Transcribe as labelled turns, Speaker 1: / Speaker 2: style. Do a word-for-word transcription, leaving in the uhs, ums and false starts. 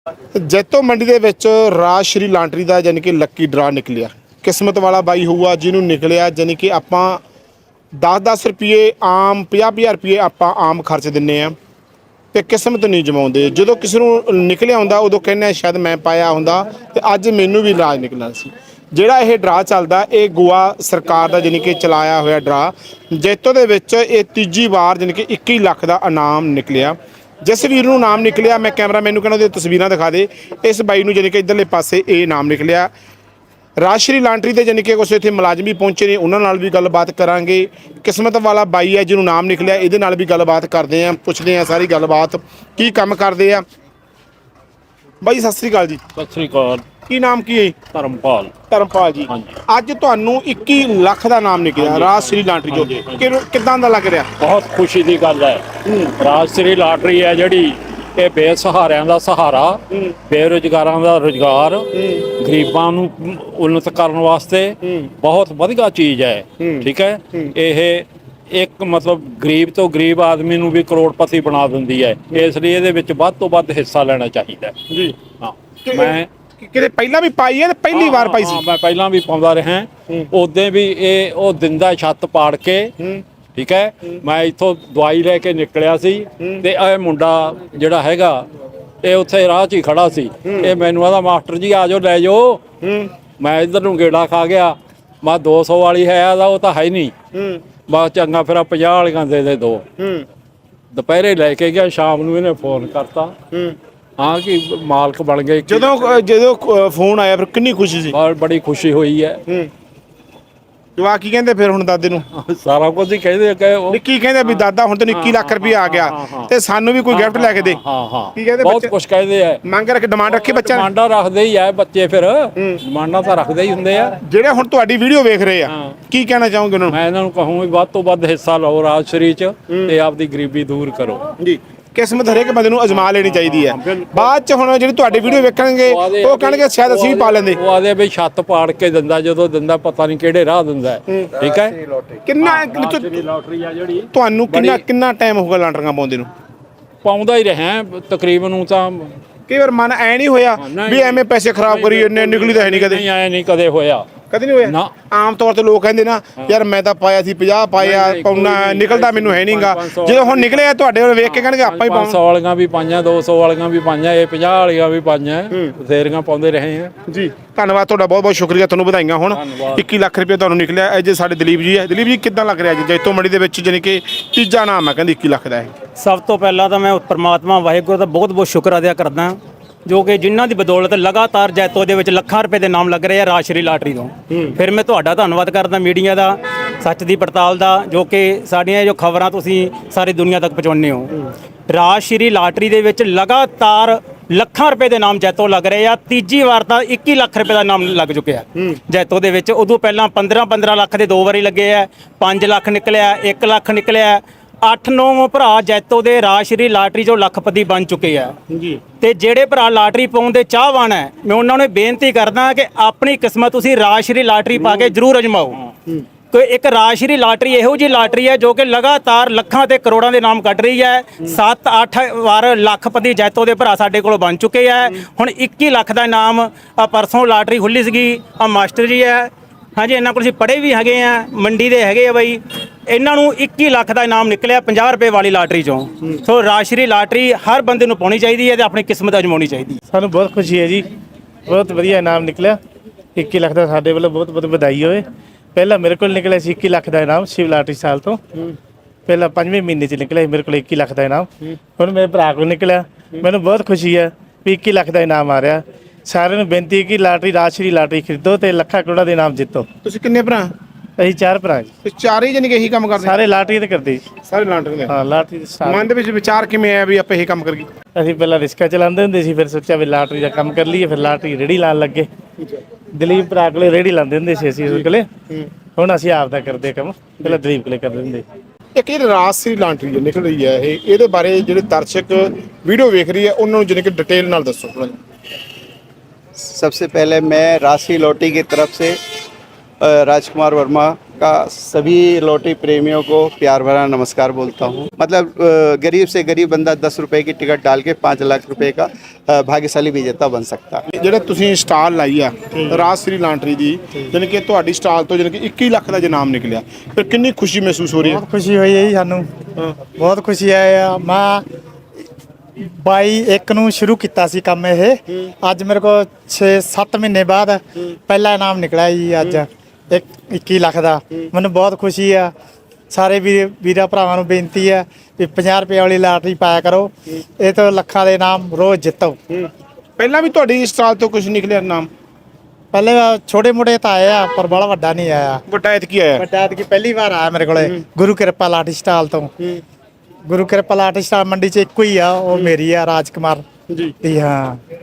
Speaker 1: ਜੈਤੋ ਮੰਡੀ ਦੇ ਵਿੱਚ ਰਾਜ ਸ਼੍ਰੀ ਲਾਂਟਰੀ ਦਾ ਯਾਨੀ ਕਿ ਲੱਕੀ ਡਰਾ ਨਿਕਲਿਆ। ਕਿਸਮਤ ਵਾਲਾ ਬਾਈ ਹੋਊਗਾ ਜਿਹਨੂੰ ਨਿਕਲਿਆ, ਯਾਨੀ ਕਿ ਆਪਾਂ ਦਸ ਦਸ ਰੁਪਏ ਆਮ ਪੰਜਾਹ ਪੰਜਾਹ ਰੁਪਏ ਆਪਾਂ ਆਮ ਖਰਚ ਦਿੰਨੇ ਆ ਤੇ ਕਿਸਮਤ ਨਹੀਂ ਜਮਾਉਂਦੇ। ਜਦੋਂ ਕਿਸੇ ਨੂੰ ਨਿਕਲਿਆ ਹੁੰਦਾ ਉਦੋਂ ਕਹਿੰਦੇ ਸ਼ਾਇਦ ਮੈਂ ਪਾਇਆ ਹੁੰਦਾ ਤੇ ਅੱਜ ਮੈਨੂੰ ਵੀ ਰਾਜ ਨਿਕਲਣਾ ਸੀ। ਜਿਹੜਾ ਇਹ ਡਰਾ ਚੱਲਦਾ ਇਹ ਗੋਆ ਸਰਕਾਰ ਦਾ ਯਾਨੀ ਕਿ ਚਲਾਇਆ ਹੋਇਆ ਡਰਾ। ਜੈਤੋ ਦੇ ਵਿੱਚ ਇਹ ਤੀਜੀ ਵਾਰ ਯਾਨੀ ਕਿ ਇੱਕੀ ਲੱਖ ਦਾ ਇਨਾਮ ਨਿਕਲਿਆ। जिस वीर नूं नाम निकलिया मैं कैमरा मैनू कहना तस्वीर दिखा दे। इस बाई नूं जानी कि इधरले पासे ये नाम निकलिया। राज श्री लांटरी के जानी कि कुछ इत्थे मुलाजम भी पहुंचे ने, उन्हां नाल भी गलबात करांगे। किस्मत वाला बाई है जिन्होंने नाम निकलिया, इहदे नाल भी गलबात करते हैं, पुछते हैं सारी गलबात की काम करते हैं। बाई सत श्री अकाल जी।
Speaker 2: सत श्री अकाल।
Speaker 1: की नाम की है?
Speaker 2: धर्मपाल।
Speaker 1: धर्मपाल जी, अज तुहानू इक्की लख का नाम निकलिया राज श्री लांटरी चो, किदां दा लग रहा?
Speaker 2: बहुत खुशी की गल है। राज श्री लाटरी है जिहड़ी ये बेसहारिਆਂ ਦਾ सहारा, बेरोजगारां ਦਾ रोजगार, गरीबां ਨੂੰ उन्नत करने वास्ते बहुत वधिया चीज़ है। ठीक है, ये एक मतलब गरीब तो गरीब आदमी ਨੂੰ भी करोड़पति बना दिंदी है, इसलिए ਇਹਦੇ ਵਿੱਚ ਵੱਧ ਤੋਂ ਵੱਧ ਹਿੱਸਾ ਲੈਣਾ ਚਾਹੀਦਾ ਹੈ जी। हाँ, मैं
Speaker 1: ਕਿਤੇ ਪਹਿਲਾਂ ਵੀ ਪਾਈ ਹੈ ਤੇ ਪਹਿਲੀ ਵਾਰ ਪਾਈ ਸੀ?
Speaker 2: ਮੈਂ ਪਹਿਲਾਂ ਵੀ ਪਾਉਂਦਾ ਰਿਹਾ। ਉਦੋਂ ਵੀ ਇਹ ਉਹ ਦਿੰਦਾ ਛੱਤ ਪਾੜ ਕੇ। ਠੀਕ ਹੈ, ਮੈਂ ਇੱਥੋਂ ਦਵਾਈ ਲੈ ਕੇ ਨਿਕਲਿਆ ਸੀ ਤੇ ਇਹ ਮੁੰਡਾ ਜਿਹੜਾ ਹੈਗਾ ਇਹ ਉੱਥੇ ਰਾਹ 'ਚ ਹੀ ਖੜਾ ਸੀ। ਇਹ ਮੈਨੂੰ ਆਦਾ ਮਾਸਟਰ ਜੀ ਆ ਜਾਓ ਲੈ ਜਾਓ। ਮੈਂ ਇੱਧਰ ਨੂੰ ਗੇੜਾ ਖਾ ਗਿਆ। ਮੈਂ ਦੋ ਸੌ ਵਾਲੀ ਹੈ ਆਦਾ, ਉਹ ਤਾਂ ਹੈ ਨਹੀਂ। ਬਸ ਚੰਗਾ ਫਿਰ ਪੰਜਾਹ ਵਾਲੀਆਂ ਦੇ ਦੇ ਦੋ। ਦੁਪਹਿਰੇ ਲੈ ਕੇ ਗਿਆ, ਸ਼ਾਮ ਨੂੰ ਇਹਨੇ ਫੋਨ ਕਰਤਾ हाँ कि मालक बन गए।
Speaker 1: ਜਦੋਂ ਜਦੋਂ ਫੋਨ ਆਇਆ ਫਿਰ ਕਿੰਨੀ ਖੁਸ਼ੀ ਸੀ?
Speaker 2: और बड़ी खुशी हुई है।
Speaker 1: ਜਵਾ ਕੀ ਕਹਿੰਦੇ ਫਿਰ ਹੁਣ ਦਾਦੇ ਨੂੰ?
Speaker 2: ਸਾਰਾ ਕੁਝ ਹੀ ਕਹਿੰਦੇ ਕਿ ਉਹ
Speaker 1: ਕੀ ਕਹਿੰਦੇ ਵੀ ਦਾਦਾ ਹੁਣ ਤੈਨੂੰ ਇੱਕੀ ਲੱਖ ਰੁਪਏ ਆ ਗਿਆ ਤੇ ਸਾਨੂੰ ਵੀ ਕੋਈ ਗਿਫਟ ਲੈ ਕੇ ਦੇ।
Speaker 2: ਹਾਂ ਹਾਂ,
Speaker 1: ਕੀ ਕਹਿੰਦੇ?
Speaker 2: ਬਹੁਤ ਕੁਝ ਕਹਿੰਦੇ ਆ।
Speaker 1: ਮੰਗ ਰੱਖ ਡਿਮਾਂਡ ਰੱਖੀ ਬੱਚਾ?
Speaker 2: ਡਿਮਾਂਡਾਂ ਰੱਖਦੇ ਹੀ ਆ ਬੱਚੇ, ਫਿਰ ਡਿਮਾਂਡਾਂ ਤਾਂ ਰੱਖਦੇ ਹੀ ਹੁੰਦੇ ਆ।
Speaker 1: ਜਿਹੜੇ ਹੁਣ ਤੁਹਾਡੀ ਵੀਡੀਓ ਵੇਖ ਰਹੇ ਆ ਕੀ ਕਹਿਣਾ ਚਾਹੋਗੇ ਉਹਨਾਂ ਨੂੰ?
Speaker 2: ਮੈਂ ਇਹਨਾਂ ਨੂੰ ਕਹੂੰ ਵੀ ਵੱਧ ਤੋਂ ਵੱਧ ਹਿੱਸਾ ਲਓ ਰਾਜ ਸ਼੍ਰੀ ਚ ਤੇ ਆਪਦੀ ਗਰੀਬੀ ਦੂਰ ਕਰੋ
Speaker 1: ਜੀ। किस्मत हरेक बंदे नूं अजमा लेनी चाहिए है। बाद च हुण जिहड़ी तुहाडी वीडियो वेखणगे ਉਹ ਕਹਿਣਗੇ शायद ਅਸੀਂ ਵੀ ਪਾ ਲੈਂਦੇ।
Speaker 2: ਉਹ ਆਦੇ ਵੀ ਛੱਤ ਪਾੜ ਕੇ ਦਿੰਦਾ, ਜਦੋਂ ਦਿੰਦਾ ਪਤਾ ਨਹੀਂ ਕਿਹੜੇ ਰਾਹ ਦਿੰਦਾ। ਠੀਕ ਹੈ,
Speaker 1: ਕਿੰਨਾ
Speaker 2: ਲਾਟਰੀ ਆ ਜਿਹੜੀ
Speaker 1: ਤੁਹਾਨੂੰ ਕਿੰਨਾ ਕਿੰਨਾ ਟਾਈਮ ਹੋਊਗਾ ਲਾਟਰੀਆਂ ਪਾਉਂਦੇ ਨੂੰ?
Speaker 2: ਪਾਉਂਦਾ ਹੀ ਰਿਹਾ ਤਕਰੀਬਨ ਨੂੰ ਤਾਂ।
Speaker 1: ਕਈ ਵਾਰ ਮਨ ਐ ਨਹੀਂ ਹੋਇਆ ਵੀ ਐਵੇਂ ਪੈਸੇ ਖਰਾਬ ਕਰੀ ਇੰਨੇ ਨਿਕਲੀ ਤਾਂ ਹੈ ਨਹੀਂ ਕਦੇ?
Speaker 2: ਨਹੀਂ ਆਇਆ, ਨਹੀਂ ਕਦੇ ਹੋਇਆ।
Speaker 1: ਕਦੇ ਨਹੀਂ ਹੋਇਆ? ਆਮ ਤੌਰ ਤੇ ਲੋਕ ਕਹਿੰਦੇ ਨਾ ਯਾਰ ਮੈਂ ਤਾਂ ਪਾਇਆ ਸੀ ਪੰਜਾਹ ਪਾਇਆ ਪਾਉਣਾ ਨਿਕਲਦਾ ਮੈਨੂੰ ਹੈ ਨਹੀਂਗਾ। ਜਦੋਂ ਹੁਣ ਨਿਕਲਿਆ ਤੁਹਾਡੇ ਵੱਲ ਵੇਖ ਕੇ ਕਹਿਣਗੇ ਆਪਾਂ ਹੀ ਪਾਉਂ।
Speaker 2: ਪੰਜ ਸੌ ਵਾਲੀਆਂ ਵੀ ਪਾਈਆਂ, ਦੋ ਸੌ ਵਾਲੀਆਂ ਵੀ ਪਾਈਆਂ, ਇਹ ਪੰਜਾਹ ਵਾਲੀਆਂ ਵੀ ਪਾਈਆਂ, ਬਥੇਰੀਆਂ ਪਾਉਂਦੇ ਰਹੇ ਆ
Speaker 1: ਜੀ। ਧੰਨਵਾਦ ਤੁਹਾਡਾ, ਬਹੁਤ ਬਹੁਤ ਸ਼ੁਕਰੀਆ, ਤੁਹਾਨੂੰ ਵਧਾਈਆਂ। ਹੁਣ ਇੱਕੀ ਲੱਖ ਰੁਪਏ ਤੁਹਾਨੂੰ ਨਿਕਲਿਆ। ਇਹ ਜੇ ਸਾਡੇ ਦਲੀਪ ਜੀ ਹੈ, ਦਲੀਪ ਜੀ ਕਿੱਦਾਂ ਲੱਗ ਰਿਹਾ ਜੀ ਜੈਤੋ ਮੰਡੀ ਦੇ ਵਿੱਚ ਜਾਣੀ ਕਿ ਤੀਜਾ ਨਾਮ ਹੈ ਕਹਿੰਦੇ ਇੱਕੀ ਲੱਖ ਦਾ?
Speaker 3: ਸਭ ਤੋਂ ਪਹਿਲਾਂ ਤਾਂ ਮੈਂ ਪਰਮਾਤਮਾ ਵਾਹਿਗੁਰੂ ਦਾ ਬਹੁਤ ਬਹੁਤ ਸ਼ੁਕਰ ਅਦਾ ਕਰਦਾ ਜੋ ਕਿ ਜਿਨ੍ਹਾਂ ਦੀ ਬਦੌਲਤ ਲਗਾਤਾਰ ਜੈਤੋ ਦੇ ਵਿੱਚ ਲੱਖਾਂ ਰੁਪਏ ਦੇ ਨਾਮ ਲੱਗ ਰਹੇ ਆ ਰਾਜ ਸ਼੍ਰੀ ਲਾਟਰੀ ਤੋਂ। ਫਿਰ ਮੈਂ ਤੁਹਾਡਾ ਧੰਨਵਾਦ ਕਰਦਾ ਮੀਡੀਆ ਦਾ, ਸੱਚ ਦੀ ਪੜਤਾਲ ਦਾ, ਜੋ ਕਿ ਸਾਡੀਆਂ ਜੋ ਖਬਰਾਂ ਤੁਸੀਂ ਸਾਰੀ ਦੁਨੀਆ ਤੱਕ ਪਹੁੰਚਾਉਂਦੇ ਹੋ। ਰਾਜ ਸ਼੍ਰੀ ਲਾਟਰੀ ਦੇ ਵਿੱਚ ਲਗਾਤਾਰ ਲੱਖਾਂ ਰੁਪਏ ਦੇ ਨਾਮ ਜੈਤੋ ਲੱਗ ਰਹੇ ਆ। ਤੀਜੀ ਵਾਰ ਤਾਂ ਇੱਕੀ ਲੱਖ ਰੁਪਏ ਦਾ ਨਾਮ ਲੱਗ ਚੁੱਕਿਆ ਜੈਤੋ ਦੇ ਵਿੱਚ। ਉਦੋਂ ਪਹਿਲਾਂ ਪੰਦਰਾਂ ਪੰਦਰਾਂ ਲੱਖ ਦੇ ਦੋ ਵਾਰੀ ਲੱਗੇ ਆ, ਪੰਜ ਲੱਖ ਨਿਕਲਿਆ, ਇੱਕ ਲੱਖ ਨਿਕਲਿਆ। ਅੱਠ ਨੌ ਭਰਾ ਜੈਤੋ ਦੇ ਰਾਜ ਸ਼੍ਰੀ ਲਾਟਰੀ ਚੋਂ ਲੱਖਪਤੀ ਬਣ ਚੁੱਕੇ ਆ ਜੀ। ਤੇ ਜਿਹੜੇ ਭਰਾ ਲਾਟਰੀ ਪਾਉਣ ਦੇ ਚਾਹਵਾਨ ਹੈ, ਮੈਂ ਉਹਨਾਂ ਨੂੰ ਬੇਨਤੀ ਕਰਦਾ ਕਿ ਆਪਣੀ ਕਿਸਮਤ ਤੁਸੀਂ ਰਾਜ ਸ਼੍ਰੀ ਲਾਟਰੀ ਪਾ ਕੇ ਜ਼ਰੂਰ ਅਜਮਾਓ। ਕੋਈ ਇੱਕ ਰਾਜ ਸ਼੍ਰੀ ਲਾਟਰੀ ਇਹੋ ਜਿਹੀ ਲਾਟਰੀ ਹੈ ਜੋ ਕਿ ਲਗਾਤਾਰ ਲੱਖਾਂ ਤੇ ਕਰੋੜਾਂ ਦੇ ਨਾਮ ਕੱਢ ਰਹੀ ਹੈ। ਸੱਤ ਅੱਠ ਵਾਰ ਲੱਖਪਤੀ ਜੈਤੋ ਦੇ ਭਰਾ ਸਾਡੇ ਕੋਲੋਂ ਬਣ ਚੁੱਕੇ ਆ। ਹੁਣ ਇੱਕੀ ਲੱਖ ਦਾ ਇਨਾਮ ਆ ਪਰਸੋਂ ਲਾਟਰੀ ਖੁੱਲੀ ਸੀਗੀ, ਆ ਮਾਸਟਰ ਜੀ ਹੈ ਹਾਂਜੀ, ਇਹਨਾਂ ਕੋਲ ਅਸੀਂ ਪੜ੍ਹੇ ਵੀ ਹੈਗੇ ਆ, ਮੰਡੀ ਦੇ ਹੈਗੇ ਆ ਬਾਈ। ਇਹਨਾਂ ਨੂੰ ਇੱਕੀ ਲੱਖ ਦਾ ਇਨਾਮ ਨਿਕਲਿਆ ਪੰਜਾਹ ਰੁਪਏ ਵਾਲੀ ਲਾਟਰੀ ਚੋਂ। ਸੋ ਰਾਜ ਸ਼੍ਰੀ ਲਾਟਰੀ ਹਰ ਬੰਦੇ ਨੂੰ ਪਾਉਣੀ ਚਾਹੀਦੀ ਹੈ ਤੇ ਆਪਣੀ ਕਿਸਮਤ ਅਜਮਾਉਣੀ ਚਾਹੀਦੀ ਹੈ।
Speaker 4: ਸਾਨੂੰ ਬਹੁਤ ਖੁਸ਼ੀ ਹੈ ਜੀ, ਬਹੁਤ ਵਧੀਆ ਇਨਾਮ ਨਿਕਲਿਆ ਇੱਕੀ ਲੱਖ ਦਾ। ਸਾਡੇ ਵੱਲੋਂ ਬਹੁਤ ਬਹੁਤ ਵਧਾਈ ਹੋਵੇ। ਪਹਿਲਾਂ ਮੇਰੇ ਕੋਲ ਨਿਕਲਿਆ ਸੀ ਇੱਕੀ ਲੱਖ ਦਾ ਇਨਾਮ ਸ਼ਿਵ ਲਾਟਰੀ ਸਾਲ ਤੋਂ। ਪਹਿਲਾਂ ਪੰਜਵੇਂ ਮਹੀਨੇ 'ਚ ਨਿਕਲਿਆ ਮੇਰੇ ਕੋਲ ਇੱਕੀ ਲੱਖ ਦਾ ਇਨਾਮ। ਹੁਣ ਮੇਰੇ ਭਰਾ ਕੋਲ ਨਿਕਲਿਆ, ਮੈਨੂੰ ਬਹੁਤ ਖੁਸ਼ੀ ਹੈ ਵੀ ਇੱਕੀ ਲੱਖ ਦਾ ਇਨਾਮ ਆ ਰਿਹਾ। ਸਾਰਿਆਂ ਨੂੰ ਬੇਨਤੀ ਹੈ ਕਿ ਲਾਟਰੀ ਰਾਜ ਸ਼੍ਰੀ ਲਾਟਰੀ ਖਰੀਦੋ ਤੇ ਲੱਖਾਂ ਕਰੋੜਾਂ ਦੇ ਇਨਾਮ ਜਿੱਤੋ।
Speaker 1: ਤੁਸੀਂ ਕਿੰਨੇ ਭਰਾ?
Speaker 4: ਅਸੀਂ ਚਾਰ ਭਰਾ ਜੀ।
Speaker 1: ਚਾਰੇ ਜਾਨੀ ਕਿ ਇਹੀ ਕੰਮ ਕਰਦੇ?
Speaker 4: ਸਾਰੇ ਲਾਟਰੀ ਤੇ ਕਰਦੇ ਜੀ,
Speaker 1: ਸਾਰੇ ਲਾਟਰੀ ਦੇ।
Speaker 4: ਹਾਂ ਲਾਟਰੀ ਦੇ।
Speaker 1: ਮਨ ਦੇ ਵਿੱਚ ਵਿਚਾਰ ਕਿਵੇਂ ਆਇਆ ਵੀ ਆਪਾਂ ਇਹ ਕੰਮ ਕਰੀਏ?
Speaker 4: ਅਸੀਂ ਪਹਿਲਾਂ ਰਿਸਕਾ ਚਲਾਉਂਦੇ ਹੁੰਦੇ ਸੀ, ਫਿਰ ਸੋਚਿਆ ਵੀ ਲਾਟਰੀ ਦਾ ਕੰਮ ਕਰ ਲਈਏ, ਫਿਰ ਲਾਟਰੀ ਰੇੜੀ ਲਾਉਣ ਲੱਗੇ। ਦਲੀਪ ਭਰਾ ਕੋਲੇ ਰੇੜੀ ਲਾਉਂਦੇ ਹੁੰਦੇ ਸੀ ਅਸੀਂ ਉਸ ਕੋਲੇ, ਹੁਣ ਅਸੀਂ ਆਪ ਦਾ ਕਰਦੇ ਕੰਮ, ਪਹਿਲਾਂ ਦਲੀਪ ਕੋਲੇ ਕਰਦੇ ਹੁੰਦੇ।
Speaker 1: ਇੱਕ ਇਹ ਰਾਜ ਸ਼੍ਰੀ ਲਾਟਰੀ ਨਿਕਲ ਰਹੀ ਹੈ, ਇਹ ਇਹਦੇ ਬਾਰੇ ਜਿਹੜੇ ਦਰਸ਼ਕ ਵੀਡੀਓ ਵੇਖ ਰਹੀ ਹੈ ਉਹਨਾਂ ਨੂੰ ਜਾਨੀ ਕਿ ਡਿਟੇਲ ਨਾਲ ਦੱਸੋ ਥੋੜਾ ਜਿਹਾ।
Speaker 5: सबसे पहले मैं राशि लॉटरी की तरफ से राजकुमार वर्मा का सभी लॉटरी प्रेमियों को प्यार भरा नमस्कार बोलता हूँ। मतलब अ, गरीब से गरीब बंदा दस रुपए की टिकट डाल के पाँच लाख रुपए का अ, भाग्यशाली विजेता बन सकता है।
Speaker 1: ਜਿਹੜੇ ਤੁਸੀਂ ਸਟਾਲ ਲਾਈ ਆ ਰਾਜ ਸ੍ਰੀ ਲਾਂਟਰੀ ਦੀ, ਜਾਣੀ ਕਿ ਤੁਹਾਡੀ ਸਟਾਲ ਤੋਂ ਜਾਣੀ ਕਿ ਇੱਕੀ ਲੱਖ ਦਾ ਇਨਾਮ ਨਿਕਲਿਆ, ਫਿਰ ਕਿੰਨੀ ਖੁਸ਼ੀ ਮਹਿਸੂਸ ਹੋ ਰਹੀ ਹੈ?
Speaker 6: ਬਹੁਤ ਖੁਸ਼ੀ ਹੋਈ ਹੈ ਜੀ ਸਾਨੂੰ, ਬਹੁਤ ਖੁਸ਼ੀ ਹੈ। ਮੈਂ ਬਾਈ ਇੱਕ ਨੂੰ ਸ਼ੁਰੂ ਕੀਤਾ ਸੀ ਕੰਮ ਇਹ, ਅੱਜ ਮੇਰੇ ਕੋਲ ਛੇ ਸੱਤ ਮਹੀਨੇ ਬਾਅਦ ਪਹਿਲਾ ਇਨਾਮ ਨਿਕਲਿਆ ਜੀ ਅੱਜ ਇੱਕ ਇੱਕੀ ਲੱਖ ਦਾ। ਮੈਨੂੰ ਬਹੁਤ ਖੁਸ਼ੀ ਆ। ਸਾਰੇ ਵੀਰ ਵੀਰਾਂ ਭਰਾਵਾਂ ਨੂੰ ਬੇਨਤੀ ਹੈ ਵੀ ਪੰਜਾਹ ਰੁਪਏ ਵਾਲੀ ਲਾਟਰੀ ਪਾਇਆ ਕਰੋ, ਇਹ ਤੋਂ ਲੱਖਾਂ ਦੇ ਇਨਾਮ ਰੋਜ਼ ਜਿੱਤੋ।
Speaker 1: ਪਹਿਲਾਂ ਵੀ ਤੁਹਾਡੀ ਸਟਾਲ ਤੋਂ ਕੁਝ ਨਿਕਲਿਆ ਇਨਾਮ?
Speaker 6: ਪਹਿਲੇ ਛੋਟੇ ਮੋਟੇ ਤਾਂ ਆਏ ਆ ਪਰ ਬੜਾ ਵੱਡਾ ਨਹੀਂ ਆਇਆ।
Speaker 1: ਵੱਡਾ ਐਤਕੀ ਆਇਆ?
Speaker 6: ਵੱਡਾ ਐਤਕੀ ਪਹਿਲੀ ਵਾਰ ਆਇਆ ਮੇਰੇ ਕੋਲੇ ਗੁਰੂ ਕਿਰਪਾ ਲਾਟਰੀ ਸਟਾਲ ਤੋਂ। ਗੁਰੂ ਕਿਰਪਾ ਲਾਟਰੀ ਸਟਾਲ ਮੰਡੀ 'ਚ ਇੱਕੋ ਹੀ ਆ, ਉਹ ਮੇਰੀ ਆ ਰਾਜ ਕੁਮਾਰ
Speaker 1: ਜੀ
Speaker 6: ਦੀ। ਹਾਂ